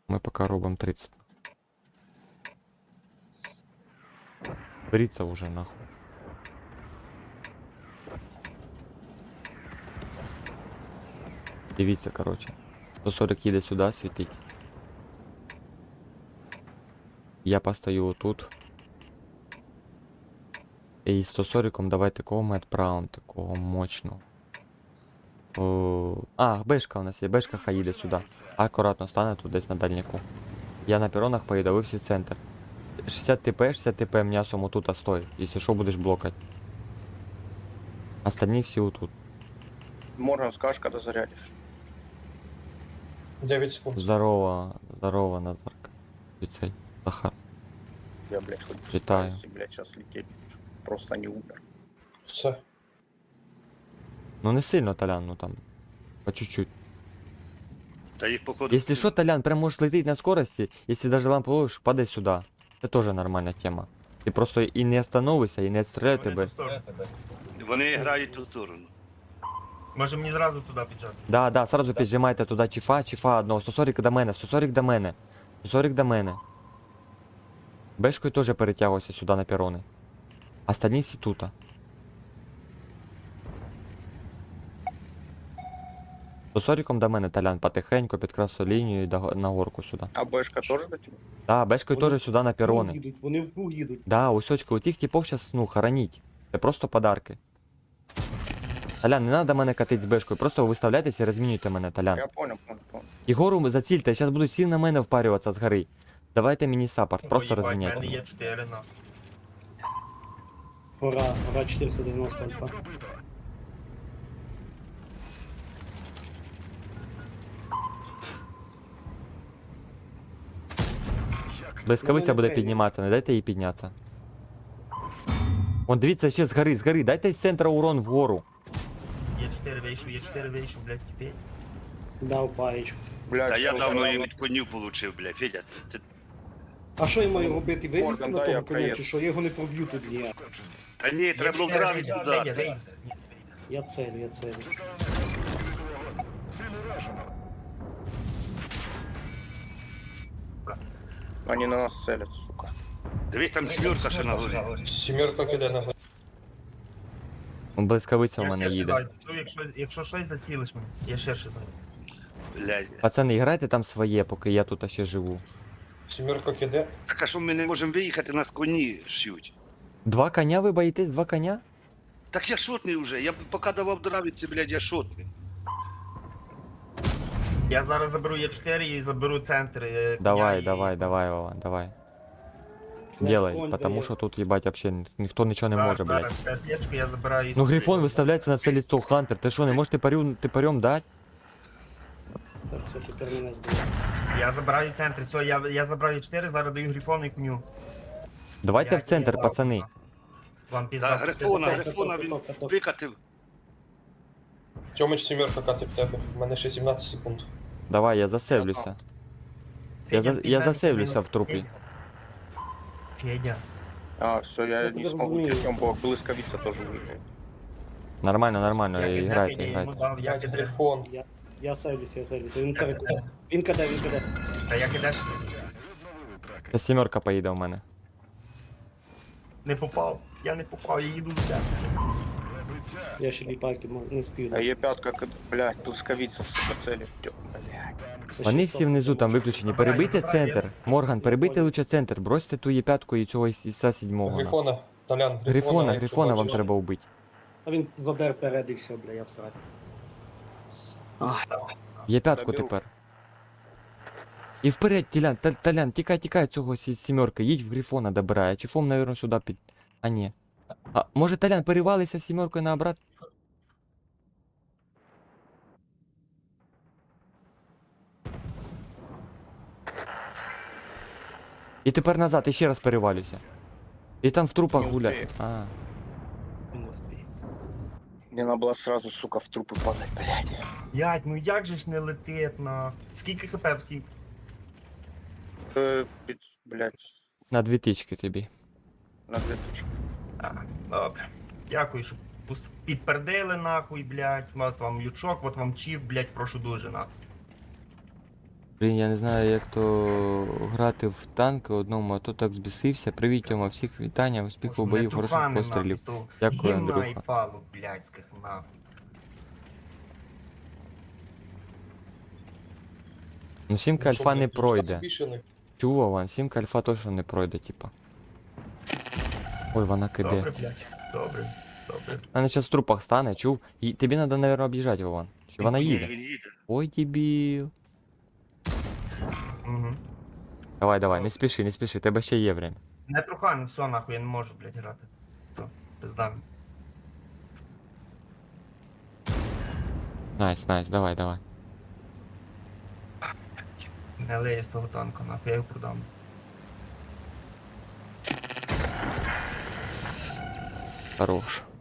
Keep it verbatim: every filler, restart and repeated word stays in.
Ми поки робимо тридцять. Беріться вже нахуй. Дивіться, короче. сто сорок їде сюди світить. Я постою отут. І сто сороком давайте такого ми відправимо, такого мощного. О, а, бешка у нас є, бешка хай їде сюди. Акуратно стане тут десь на дальняку. Я на перонах поїду, ви всі центр. шістдесят ТП, шістдесят ТП м'ясом отут, а стой. Якщо що, будеш блокать. Остальні всі отут. Морган, скажешь, когда зарядишь. девять секунд. Здорово, здорово, Назарка. Віцей, Захар. Я, блядь, хоть в Витаю. старости, блядь, сейчас лететь. чтоб Просто не умер. Все. Ну не сильно, Толян, ну там. По чуть-чуть. Та їх походу. Если что, Толян, прям можешь лететь на скорости, если даже лампу ловишь, падай сюда. Это тоже нормальная тема. Ты просто и не остановишься, и не отстреляют тебе. Вони грають ту сторону. Може мені зразу туди піджати? Да, да, сразу піджимайте туди чифа, чифа одного. сто сорок до мене, сто сорок до мене. сто сорок до мене. Бешкою теж перетягуйся сюди на перони. Остальні всі тут. сто сороком до мене, Толян, потихеньку під красу лінію і до- на горку сюди. А Бэшка тоже до тебя? Да, бешкою Вони теж сюди на перони. їдуть, вони в круг їдуть. Да, усечки, у тих типов сейчас, ну, хоронить. Це просто подарки. Толян, не надо мене катить з бешкою, просто виставляйтесь і розмінюйте мене, Толян. Я понял, понял, понял. Ігору зацільте, зараз будуть всі на мене впарюватися з гори. Давайте мені саппорт, просто Ой, їбать, розміняйте. в мене мене. є чотири на. Гора, гора чотириста дев'яносто альфа. Блискавиця буде Мене підніматися, не дайте їй піднятися. Вон, дивіться, ще з гори, з гори, дайте з центра урон вгору. Є чотири вийшов, є чотири вийшов, блядь, тіпей. Дав паєчку. Блядь, Та я всё, давно давно. її від конів получив, бля. Федя, ти, ти... А що я маю робити? Вивезти Морган, на дай я того коня, проїду. чи що? Я його не проб'ю тут ніяк. Та ні, треба було гравити туди. Я целю, я целю. Они на нас целят, сука. Дивись, там сімерка ще на горі. Сімерка киде на горі. Блискавиця у Я мене ширше їде. даю. Що, Якщо, якщо щось зацілиш мене, я ширше знаю. Блядь. Пацани, грайте там своє, поки я тут ще живу. Сімерка киде. Так а що ми не можемо виїхати, нас коні ш'ють? Два коня ви боїтесь? Два коня? Так я шотний вже, я поки давав дравіці, блядь, я шотний. Я зараз заберу Є чотири і заберу центр. е, коня Давай, і- давай, давай, Вова, давай. Ну, Делай, конь потому дає. що тут, їбать, вообще ні- ніхто нічого не Зараз, може, блядь. зараз, п'ятечку я забираю. і Ну собі. грифон виставляється на все лицо, Хантер. Ти що, не можеш типарю, типарем дати? Так, все, тепер мене збили. Я забираю центр, все, я, я забрав Є чотири, зараз даю грифону і коню. Давайте Я в центр, піздав. пацани. Вам Та пізда. грифона, Каток, грифона він каток, каток. викатив. Тьомич сімерка катить в тебе. У мене ще сімнадцять секунд. Давай, я засевлюся. Я, за, я засевлюся в трупі. Федя. А, все, я Я не тебя смогу разумею. тем бог. Блысковица тоже выиграет. Нормально, нормально, Я кидаю, грайте, я йому грайте. дав, я Блядь, кидаю. грифон. Я, я сейлюсь, я сейлюсь. Він Я каде, кидаю. він каде, він каде. Та я кидаш Та сімерка поїде у мене. не попав. Я не попав, я їду в тебе. Я ще ліпайки не спію. А Е пятка, блядь, блысковица, сука, целит. Тё, блядь. Вони всі внизу там виключені. Перебийте центр. Морган, перебийте лучше центр. Бросьте ту Є5 і цього Іса сьомого. Грифона. Толян, грифона. Грифона, якщо грифона вам бачиш. треба вбити. А він задер перед і все, бля, я всрать. Є5 Заберу. тепер. І вперед, Толян, Та- Толян, тікай, тікай цього сі- сімерки, їдь в Грифона добирай, чи фом, наверное, сюди під... А ні. А, може, Толян, перевалися сімеркою на обрат? І тепер назад, і ще раз перевалюйся. І там в трупах Не гуляй. успею. А, Він не спіє. Мне надо было сразу, сука, в трупы падать, блядь. Ять, ну як же ж не летить на. Скільки хп всім? Э, пиц- блядь, на дві тички тобі. на две тысячи. А, добре. Дякую, що пус- підпердили нахуй, блядь. От вам лючок, от вам чіф, блядь, прошу дуже нахуй. Блін, я не знаю, як то грати в танки одному, а то так збісився. Привіт, Тьома, всіх вітання, успіху у бою, хороших пострілів. Дякую, Андрюха. і палу, блядських, нахуй. Ну сімка Ну, що, альфа не блядь, ключка пройде. спішений? Чув, Ван, сімка альфа точно не пройде, типа. Ой, вона киде. Добре, блядь, добре, добре. Вона зараз в трупах стане, чув? І тобі треба, мабуть, об'їжджати, Вован. Чи вона Ні, їде? він їде. Ой, дебіл. Угу. Давай, давай, не спіши, не спіши, тебе ще є время. Не трухай, ну все, нахуй, я не можу, блядь, грати. Все, пизда. Найс, найс, давай, давай. Не леє з того танка, нахуй, я його продам. Хорош.